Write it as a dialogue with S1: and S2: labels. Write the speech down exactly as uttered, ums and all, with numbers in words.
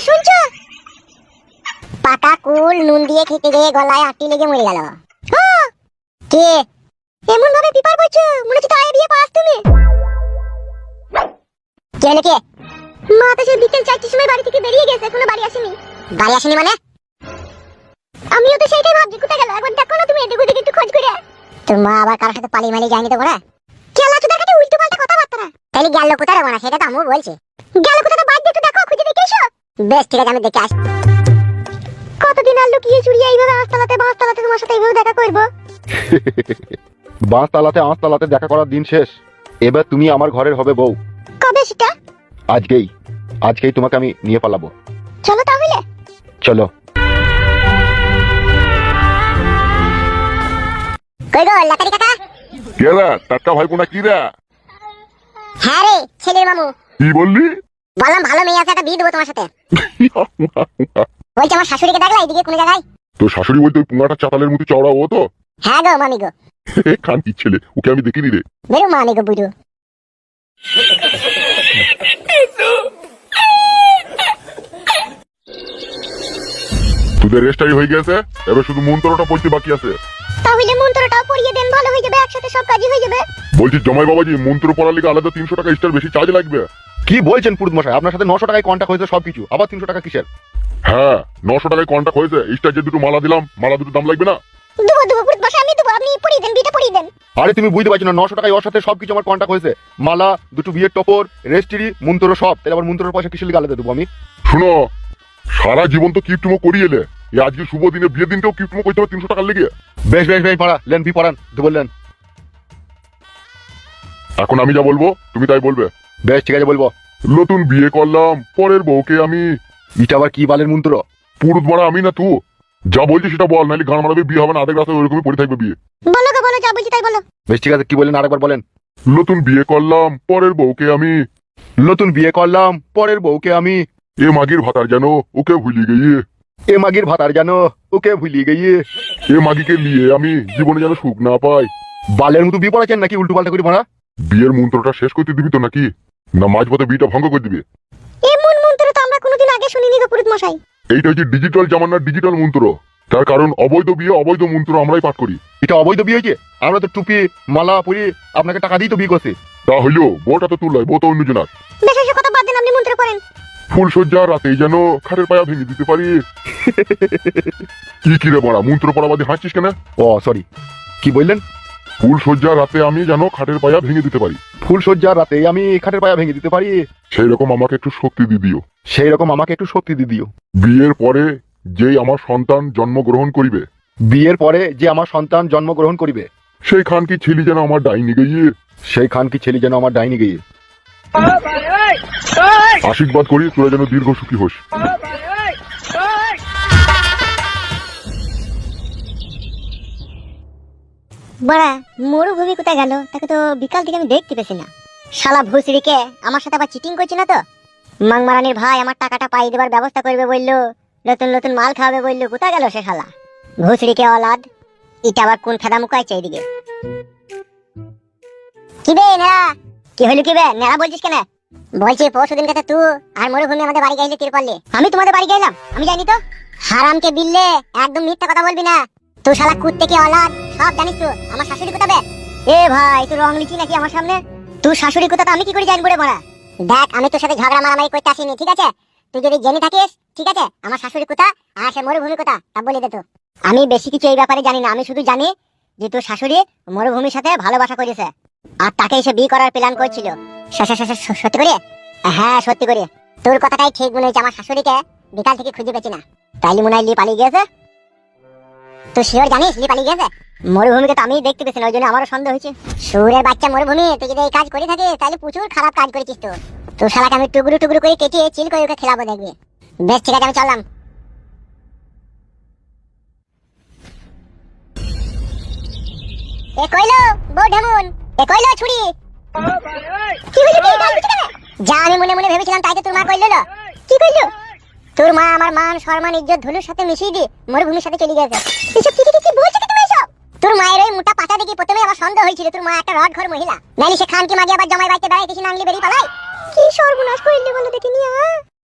S1: শুনছো? পাকা কুল নুন দিয়ে খেতে গিয়ে গলায় আটটি লেগে মরে গেল। কে এমন ভাবে পিপার বইছো, মনে হচ্ছে তাই বিয়ে পাস তুমি। কে হলো কে? মা তো সেই বিকেল চারটির সময় বাড়ি থেকে বেরিয়ে গেছে, এখনো বাড়ি আসেনি। বাড়ি আসেনি মানে? আমিও তো সেইটাই ভাবছি, কোথায় গেল? একবার দেখো না তুমি, এদিক ওদিক একটু খোঁজ করে। তোর মা আবার কারোর সাথে পালিয়ে মালিয়ে যায়নি তো বড়া? কেলা তো দেখাতে উল্টো পাল্টা কথাবার্তা। তাইলে গেল কোথায় রে বড়া? সেটা তো আমিও বলছি। গেল কোথায় তো বাদ দিয়ে একটু দেখো, খুঁজে দেখে এসো। বেশ ঠিক আছে, আমি দেখে আসি। কতদিন আর লুকিয়ে চুরিয়ে এইভাবে আস্তালাতে বাঁশতালাতে তোমার সাথে এইভাবে দেখা করবো?
S2: বাঁশতালাতে আঁশতালাতে দেখা করার দিন শেষ। এবার তুমি আমার ঘরের হবে বউ।
S1: কবে সেটা?
S2: আজকেই আজকেই তোমাকে আমি নিয়ে পালাবো।
S1: চলো তাহলে।
S2: চলো।
S1: কই গো লাকারি কাকা?
S3: কেরা টাটকা ভাই কোনা কি রে?
S1: হ্যাঁ রে ছেলের মামু।
S3: কি বললি?
S1: বললাম ভালো মেয়ে আছে, একটা বিয়ে দেবো তোমার সাথে। বলছি আমার শাশুড়িকে দেখলা এইদিকে কোন জায়গায়?
S3: তোর শাশুড়ি বলতে ওই পুঙ্গাটা চাতালের মতো চওড়া ও তো?
S1: হ্যাঁ গো মামি গো।
S3: খান কি ছেলে, ওকে আমি দেখিনি রে।
S1: বেরো মামি গো বুড়ো।
S3: তোদের রেস্টাই হয়ে গেছে, এবার শুধু মন্ত্রটা পড়তে বাকি আছে।
S1: তাহলে মন্ত্রটাও পড়িয়ে দেন, ভালো হয়ে যাবে, একসাথে সব কাজই হয়ে যাবে।
S3: বলছি জমাই বাবাজি, মন্ত্র পড়ার লিগে আলাদা তিনশো টাকা এক্সট্রা বেশি চার্জ লাগবে।
S2: কি বলছেন পুরুত মশাই? আপনার সাথে নশো টাকায় কন্টাক্ট হয়েছে সবকিছু, আবার তিনশো টাকা কিসের?
S3: হ্যাঁ নশো টাকায় কন্টাক্ট হয়েছে, এক্সট্রা যে দুটো মালা দিলাম, মালা দুটো দাম লাগবে না?
S1: দেবো দেবো পুরুত বসে আমি দেবো, আপনি পড়িয়ে দেন, বিটা পড়িয়ে দেন।
S2: আরে তুমি বুঝতে পারছো না, নশো টাকায় ওর সাথে সবকিছু আমার কন্টাক্ট হয়েছে। মালা, দুটো বিয়ের টপর, রেস্ট্রি, মন্ত্র সব। তাহলে আবার মন্ত্রের পয়সা কিসের লিগে আলাদা দেবো আমি?
S3: শুনো, সারা জীবন তো কিপটুমো করিয়ে এলে, এই আজকে শুভ দিনে বিয়ের দিনকেও কিপটুমো করতে হবে তিনশো টাকার লেগে।
S2: বেশ বেশ বেশ পড়া লেন, বি পড়ান তো বললেন।
S3: এখন আমি যা বলবো তুমি তাই বলবে।
S2: বেশ ঠিক আছে বলবো।
S3: নতুন বিয়ে করলাম, পরের বউকে আমি।
S2: এটা আবার কি বালের মন্ত্র?
S3: পুরুত মারা আমি না তুই? যা বলছি সেটা বল, নাহলে গান মারাবে, বিয়ে হবে না, আধেক রাস্তায় ওইরকমই পড়ে থাকবে বিয়ে।
S1: বলো গো বলো, যা বলছি তাই বলো।
S2: বেশ ঠিক আছে, কি বলেন আরেকবার বলেন।
S3: নতুন বিয়ে করলাম, পরের বউকে আমি।
S2: নতুন বিয়ে করলাম, পরের বউকে আমি।
S3: এ মাগির ভাতার যেন ওকে ভুলি গিয়ে।
S2: এ মাগির ভাতার জানো ওকে ভুলিয়ে গিয়ে।
S3: এ মাগিকে নিয়ে আমি জীবনে যেন সুখ না পাই।
S2: বালের মতো বিয়ে পড়াচ্ছেন নাকি উল্টো পাল্টা করে ভাড়া?
S3: বিয়ের মন্ত্রটা শেষ করতে দিবি তো নাকি, না মাঝপথে বিয়েটা ভঙ্গ করে দিবি?
S1: এমন মন্ত্র তো আমরা কোনোদিন আগে শুনিনি গো পুরুত মশাই।
S3: এইটা হচ্ছে ডিজিটাল জামানার ডিজিটাল মন্ত্র। তার কারণ অবৈধ বিয়ে অবৈধ মন্ত্র আমরাই পাঠ করি।
S2: এটা অবৈধ বিয়ে হয়েছে? আমরা তো টুপি মালা পরি আপনাকে টাকা দিয়ে তো বিয়ে করছি।
S3: তা হইলো বউটা তো তুললাই, বউ তো অন্যজনার।
S1: বেশ এসব কথা বাদ দেন, আপনি মন্ত্র পড়েন।
S3: ফুল সজ্জা রাতেই যেন খাটের পায়া ভেঙে দিতে পারি। কি কিরে বড়া, মন্ত্র পড়া বাদে হাসছিস কেন?
S2: ও সরি, কি বললেন?
S3: ফুল সজ্জা রাতে আমি যেন খাটের পায়া ভেঙে দিতে পারি।
S2: ফুল সজ্জার রাতে আমি খাটের পায়া ভেঙে দিতে পারি।
S3: সেই রকম আমাকে একটু শক্তি দিয়ে দিও।
S2: সেই রকম আমাকে একটু শক্তি দিয়ে দিও।
S3: বিয়ের পরে যেই আমার সন্তান জন্মগ্রহণ করিবে,
S2: বিয়ের পরে যে আমার সন্তান জন্মগ্রহণ করিবে,
S3: সেই খান কি ছেলে যেন আমার ডাইনি গিয়ে।
S2: সেই খান কি ছেলে যেন আমার ডাইনি গিয়ে।
S3: আশীর্বাদ করি তোরা যেন দীর্ঘ সুখী হোস।
S1: বড়া মরুভূমি কোথায় গেল? তাকে তো বিকাল থেকে আমি দেখতে পেছি না। শালা ভুসড়িকে আমার সাথে আবার চিটিং করছি না তো? মাংমারানির ভাই আমার টাকাটা পাই দেবার ব্যবস্থা করবে বললো, নতুন নতুন মাল খাওয়াবে বললো, কোথায় গেল সে শালা ভুসড়িকে অলাদ? এটা আবার কোন ফেদা মুকাইছে এইদিকে? কি বে নেড়া? কি হইলো কি বে নেড়া বলছিস কেন? বলছি পরশু দিন কাছে তুই আর মরুভূমি আমাদের বাড়ি গাইলে তীর পারলে। আমি তোমাদের বাড়ি গেলাম? আমি জানি তো। হারামকে বিললে একদম মিথ্যা কথা বলবি না। তুই শালা কুত্তে কি অলাদ সব জানিস তো। আমার শাশুড়ি কোথাবে? এ ভাই তুই রং লিখি নাকি আমার সামনে? তুই শাশুড়ি কোথা আমি কি করে জানবো রে মারা? দেখ আমি তোর সাথে ঝগড়া মারামারি করতে আসিনি, ঠিক আছে? তুই যদি জেনে থাকিস ঠিক আছে আমার শাশুড়ি কোথা আর সে মরুভূমি কোথা তা বলে দে তো। আমি বেশি কিছু এই ব্যাপারে জানি না, আমি শুধু জানি যে তোর শাশুড়ি মরুভূমির সাথে ভালোবাসা করেছে আর তাকে এসে বিয়ে করার প্ল্যান করছিল। সত্যি করে? হ্যাঁ সত্যি করে। তোর কথাটাই ঠিক মনে হচ্ছে, আমার শাশুড়িকে বিকাল থেকে খুঁজে পেছি না। তাইলে মনে হয় লি পালিয়ে গিয়েছে। তুই শিওর জানিস লি পালিয়ে গেছে? মরুভূমিকে তো আমি দেখতে পেছি না, ওই জন্য আমারও সন্দেহ হয়েছে। সুরের বাচ্চা মরুভূমি, তুই যদি এই কাজ করে থাকিস তাহলে প্রচুর খারাপ কাজ করেছিস। তো তোর শালাকে আমি টুকরো টুকরো করে কেটে চিল করে ওকে খেলাবো, দেখবি। বেশ ঠিক আছে আমি চললাম। এ কইলো বউ ঢেমুন, এ কইলো ছুরি। কি হইলো কি গাল দিছিস কেন? যা আমি মনে মনে ভেবেছিলাম তাই তো তোর মা কইলো। কি কইলো? তোর মা আমার মান সম্মান ইজ্জত ধুলুর সাথে মিশিয়ে দিয়ে মরুভূমির সাথে চলে গেছে। এসব কি কি কি বলছিস তুমি এসব? তোর মায়ের ওই মোটা পাতা দেখে প্রথমে আমার সন্দেহ হয়েছিল তোর মা একটা রড ঘর মহিলা, নাইলে সে খান কি মাগি আবার জামাই বাইতে বেড়াইতেছি না আনলি বেরিয়ে পালাই। কি সর্বনাশ কইলি বলো দেখিনি।